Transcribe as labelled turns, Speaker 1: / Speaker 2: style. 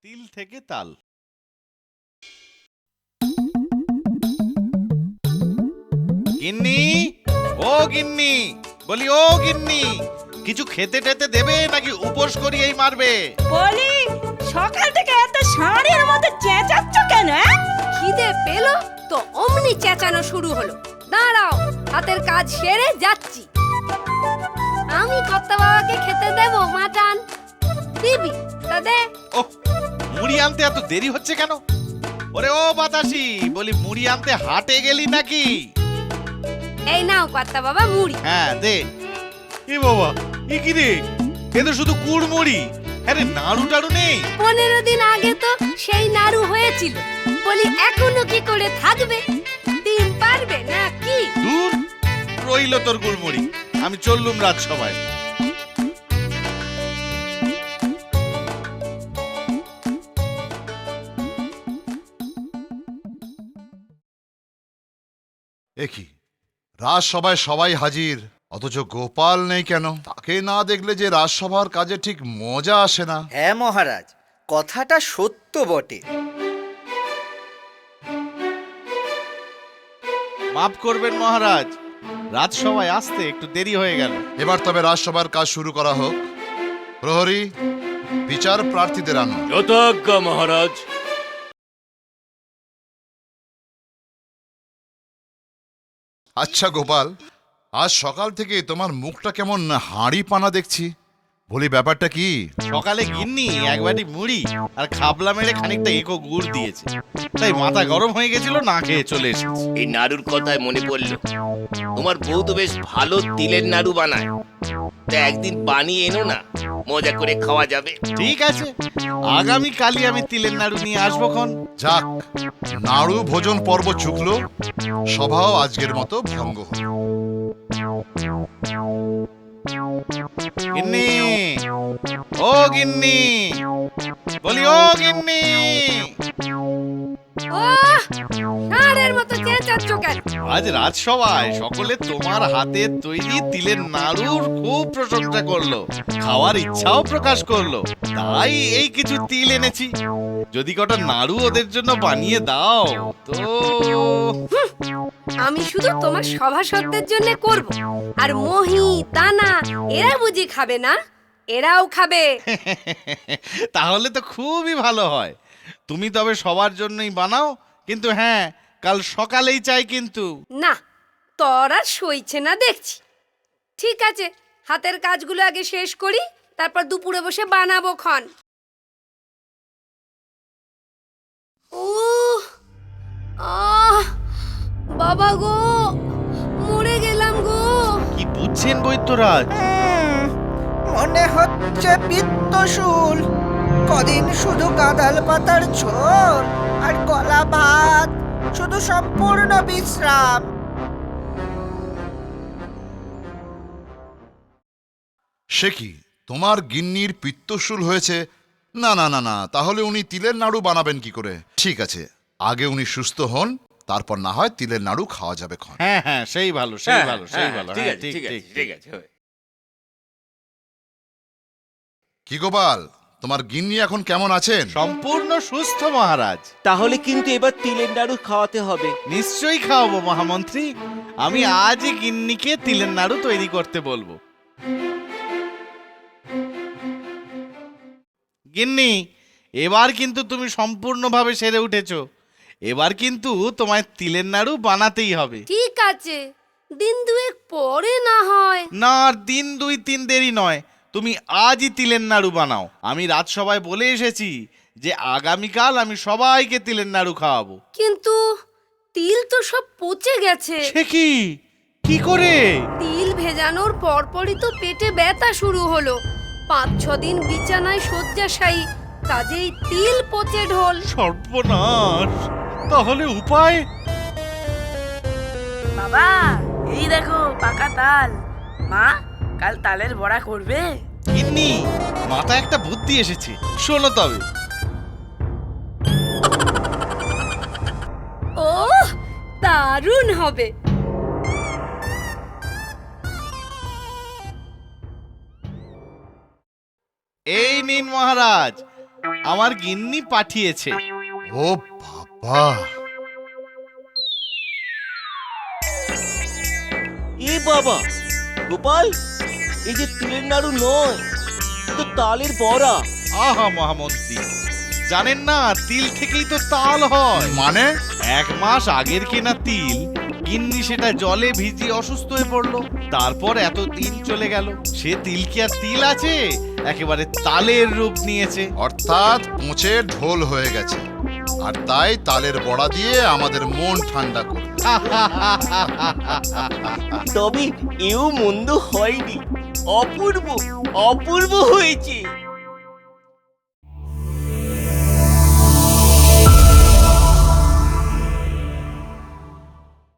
Speaker 1: তিল থেকে তাল। গিন্নি, ও গিন্নি, বলি ও গিন্নি, কিছু খেতে টেতে দেবে নাকি উপোস করিয়েই মারবে?
Speaker 2: বলি সকাল থেকে এত ষাঁড়ের মতো চেঁচাচ্ছ কেন?
Speaker 3: খিদে পেলো তো অমনি চেঁচানো শুরু হলো। দাঁড়াও, হাতের কাজ সেরে যাচ্ছি। আমি কর্তা বাবাকে খেতে দেবো মাটন। দিবি তা দে।
Speaker 1: ওহ, মুড়ি আনতে এত দেরি হচ্ছে কেন? ওরে ও বাতাসি, বলি মুড়ি আনতে হাটে গেলি নাকি?
Speaker 3: এই নাও কর্তা বাবা মুড়ি।
Speaker 1: হ্যাঁ দে। এ বাবা, এ কি রে? এ তো শুধু গুড় মুড়ি। আরে নাড়ু টাড়ু নেই?
Speaker 3: 15 দিন আগে তো সেই নাড়ু হয়েছিল। বলি এখনো কি করে থাকবে? ডিম পারবে না কি?
Speaker 1: দূর, রইল তোর গুড় মুড়ি। আমি চললুম রাজসভায়।
Speaker 4: একি রাজসভায় সবাই হাজির, অথচ গোপাল নেই কেন? তাকে না দেখলে যে রাজসভার কাজে ঠিক মজা আসে না।
Speaker 5: হ্যাঁ মহারাজ, কথাটা সত্য বটে।
Speaker 1: মাফ করবেন মহারাজ, রাজসভায় আসতে একটু দেরি হয়ে গেল।
Speaker 4: এবার তবে রাজসভার কাজ শুরু করা হোক। প্রহরী, বিচার প্রার্থীদের আনো।
Speaker 6: যথাজ্ঞা মহারাজ।
Speaker 4: আচ্ছা গোপাল, আজ সকাল থেকে তোমার মুখটা কেমন হাঁড়ি পানা দেখছি। বলি ব্যাপারটা কি?
Speaker 1: সকালে গিন্নি এক বাটি মুড়ি আর খাবলা মেরে খানিকটা এঁকো গুড় দিয়েছে, তাই মাথা গরম হয়ে গেছিল, না খেয়ে চলে এসেছি।
Speaker 6: এই নাড়ুর কথায় মনে পড়ল, তোমার বউ তো বেশ ভালো তিলের নাড়ু বানায়। তা একদিন বানিয়ে এনো না, মজা করে খাওয়া যাবে।
Speaker 1: ঠিক আছে, আগামী কালই আমি তিলের নাড়ু নিয়ে আসবো খন।
Speaker 4: যাক, নাড়ু ভোজন পর্ব চুকলো, সভাও আজকের মতো ভঙ্গ হল।
Speaker 1: গিন্নি, ও গিন্নি, বলি ও গিন্নি।
Speaker 3: ওহ, ষাঁড়ের মতো চেঁচাচ্ছ কেন?
Speaker 1: আজ রাজসভায় সকলে তোমার হাতের তৈরি তিলের নাড়ুর খুব প্রশংসা করলো, খাওয়ার ইচ্ছাও প্রকাশ করলো। তাই এই কিছু তিল এনেছি, যদি কটা নাড়ু ওদের জন্য বানিয়ে দাও তো।
Speaker 3: আমি শুধু তোমার সভাসদদের জন্য করব, আর মহি দানা এরা বুঝি খাবে না? এরাও খাবে।
Speaker 1: তাহলে তো খুবই ভালো হয়। তুমি তবে সবার জন্যই বানাও, কিন্তু হ্যাঁ, কাল সকালেই চাই কিন্তু।
Speaker 3: না, তোর আর সইছে না দেখছি। ঠিক আছে, হাতের কাজগুলো আগে শেষ করি, তারপর দুপুরে বসে বানাবো খন। উহ, আহ, বাবা গো, মরে গেলাম গো।
Speaker 1: কি বুঝছেন বৈদ্যরাজ?
Speaker 5: মনে হচ্ছে পিত্তশুল। কদিন শুধু কাঁদাল পাতার ঝোল আর কলা ভাত, শুধু সম্পূর্ণ বিশ্রাম।
Speaker 4: সে কি, তোমার গিন্নির পিত্তশুল হয়েছে? না না না না, তাহলে উনি তিলের নাড়ু বানাবেন কি করে? ঠিক আছে, আগে উনি সুস্থ হন, তারপর না হয় তিলের নাড়ু খাওয়া যাবে খন।
Speaker 1: হ্যাঁ হ্যাঁ, সেই ভালো, সেই ভালো, সেই ভালো।
Speaker 6: ঠিক
Speaker 1: হ্যাঁ,
Speaker 6: আছে, ঠিক আছে, ঠিক আছে।
Speaker 4: কি গোপাল, তোমার গিন্নি এখন কেমন আছেন?
Speaker 1: সম্পূর্ণ সুস্থ মহারাজ।
Speaker 7: তাহলে কিন্তু এবার তিলের নাড়ু খাওয়াতে হবে।
Speaker 1: নিশ্চয়ই খাওয়াবো মহামন্ত্রী। আমি আজই গিন্নিকে তিলের নাড়ু তৈরি করতে বলবো। গিন্নি, এবার কিন্তু তুমি সম্পূর্ণভাবে সেরে উঠেছো। এবার কিন্তু তোমায় তিলের নাড়ু বানাতেই হবে।
Speaker 3: ঠিক আছে, দিন দুয়েক পরে না হয়।
Speaker 1: না, আর দিন 2-3 দেরি নয়, তুমি আজই তিলের নাড়ু বানাও। আমি রাজসভায় বলে এসেছি যে আগামীকাল আমি সবাইকে তিলের নাড়ু খাওয়াবো।
Speaker 3: কিন্তু তিল তো সব পচে গেছে।
Speaker 1: সে কি, কি করে?
Speaker 3: তিল ভেজানোর পরপরই তো পেটে ব্যথা শুরু হলো। 5-6 দিন বিছানায় শয্যাশায়ী, কাজেই তিল পচে ঢোল।
Speaker 1: সর্বনাশ! তাহলে উপায়?
Speaker 2: বাবা, এই দেখো পাকা তাল। মা, কাল তালের বড়া করবে?
Speaker 1: গিন্নি, মাথায় একটা বুদ্ধি এসেছে, শোনো তবে।
Speaker 3: ওহ, দারুণ হবে।
Speaker 1: এই নিন মহারাজ, আমার গিন্নি পাঠিয়েছে।
Speaker 4: ও বাবা,
Speaker 7: এ বাবা গোপাল, এই যে তিলের নাড়ু নয়, এ তো তালের বড়া।
Speaker 1: আহা মহামন্ত্রী, জানেন না তিল থেকেই তো তাল হয়।
Speaker 4: মানে
Speaker 1: 1 মাস আগের কেনা তিল, গিন্নি সেটা জলে ভিজিয়ে অসুস্থ হয়ে পড়লো। তারপর এত দিন চলে গেল, সে তিল কি আর তিল আছে, একেবারে তালের রূপ নিয়েছে।
Speaker 4: অর্থাৎ পচে ঢোল হয়ে গেছে, আর তাই তালের বড়া দিয়ে আমাদের মন ঠান্ডা করবে।
Speaker 7: তবে এও মন্দ হয়নি, অপূর্ব অপূর্ব হয়েছে।